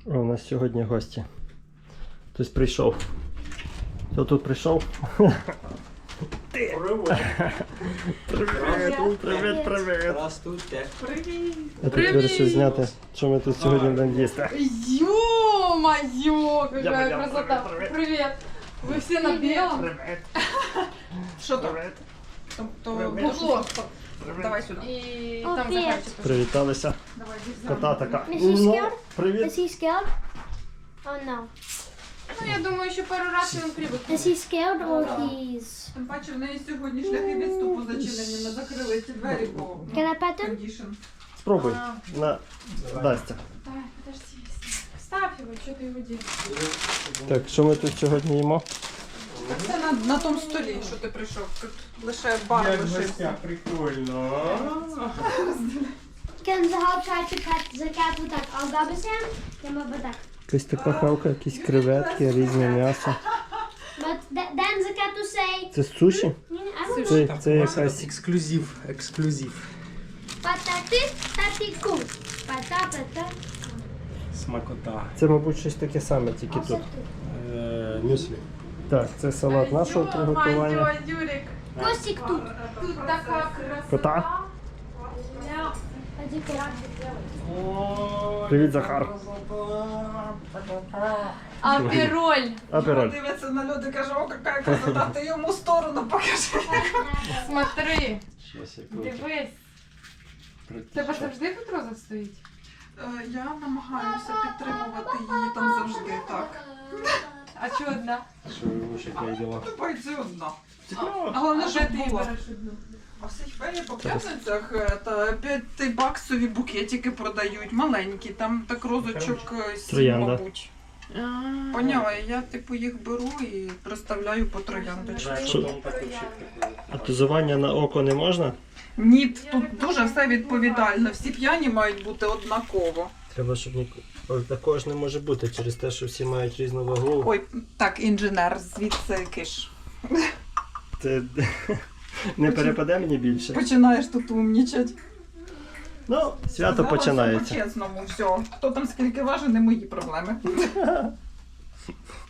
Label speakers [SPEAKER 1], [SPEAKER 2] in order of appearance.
[SPEAKER 1] О, у нас сьогодні гості. Хтось прийшов. Хто тут прийшов? Ти! Привіт, привіт!
[SPEAKER 2] Здравствуйте.
[SPEAKER 3] Привіт!
[SPEAKER 1] Я тут вирішив зняти, що ми тут сьогодні будемо їсти.
[SPEAKER 3] Ё-моё, какая красота! Привет! Вы все на белом?
[SPEAKER 1] Привіт!
[SPEAKER 3] Что там? Бухло. Давай сюда. И там захарчик.
[SPEAKER 1] Привіталися.
[SPEAKER 3] Давай, здесь
[SPEAKER 1] Кота така.
[SPEAKER 4] Is he scared?
[SPEAKER 1] Привіт.
[SPEAKER 4] Is he scared? Oh no.
[SPEAKER 3] Ну, я думаю, ще пару разів він привик.
[SPEAKER 4] Is he scared or he's...
[SPEAKER 3] Тим паче, в неї сьогодні шляхи відступу зачинені. Ми закрили ці двері, бо
[SPEAKER 4] Can I pet him?
[SPEAKER 3] кондішн.
[SPEAKER 1] Спробуй. На Дастя.
[SPEAKER 3] Давай, подожди. Ставь його, що ти його ділиш?
[SPEAKER 1] Так, що ми тут сьогодні їмо?
[SPEAKER 3] Так це на тому столі, що ти прийшов. Тут лише бар лишився.
[SPEAKER 1] Прикольно.
[SPEAKER 4] Can the help try to pet the cat with that algabasam? Can I pet
[SPEAKER 1] Якась така хавка, якісь креветки, різне м'ясо.
[SPEAKER 4] But then the cat will say,
[SPEAKER 1] Це суші?
[SPEAKER 4] I don't know.
[SPEAKER 1] Це якась...
[SPEAKER 2] Ексклюзив, ексклюзив.
[SPEAKER 4] Patati cool. Patata.
[SPEAKER 2] Смакота.
[SPEAKER 1] Це, мабуть, щось таке саме, тільки тут.
[SPEAKER 2] Мюслі.
[SPEAKER 1] Так, це салат нашого приготування.
[SPEAKER 3] Юрик,
[SPEAKER 4] Костик тут.
[SPEAKER 3] тут така краса.
[SPEAKER 1] Кота.
[SPEAKER 4] Иди
[SPEAKER 1] Привіт, Захар.
[SPEAKER 3] Апероль.
[SPEAKER 1] Апероль.
[SPEAKER 3] Дивиться на люди, каже, о, яка красота, ти йому сторону покажи. Смотри, дивись. Тебе завжди тут роза стоїть? Я намагаюся підтримувати її там завжди, так. А чого одна?
[SPEAKER 1] Що ви ще діла?
[SPEAKER 3] Тупай, це одна. Головне, щоб була. А в Сейфері по п'ятницях 5-баксові букетики продають, маленькі, там так розочок 7,
[SPEAKER 1] Троянда.
[SPEAKER 3] мабуть. Поняла, я типу їх беру і приставляю по трояндочку.
[SPEAKER 1] А тузування на око не можна?
[SPEAKER 3] Ні, тут дуже все відповідально. Всі п'яні мають бути однаково.
[SPEAKER 1] Треба, щоб такого ж не може бути, через те, що всі мають різну вагу.
[SPEAKER 3] Ой, так, інженер, звідси киш.
[SPEAKER 1] Ти не перепаде мені більше.
[SPEAKER 3] Починаєш тут умнічать.
[SPEAKER 1] Ну, свято починається.
[SPEAKER 3] По-чесному, все. Хто там скільки важить, не мої проблеми.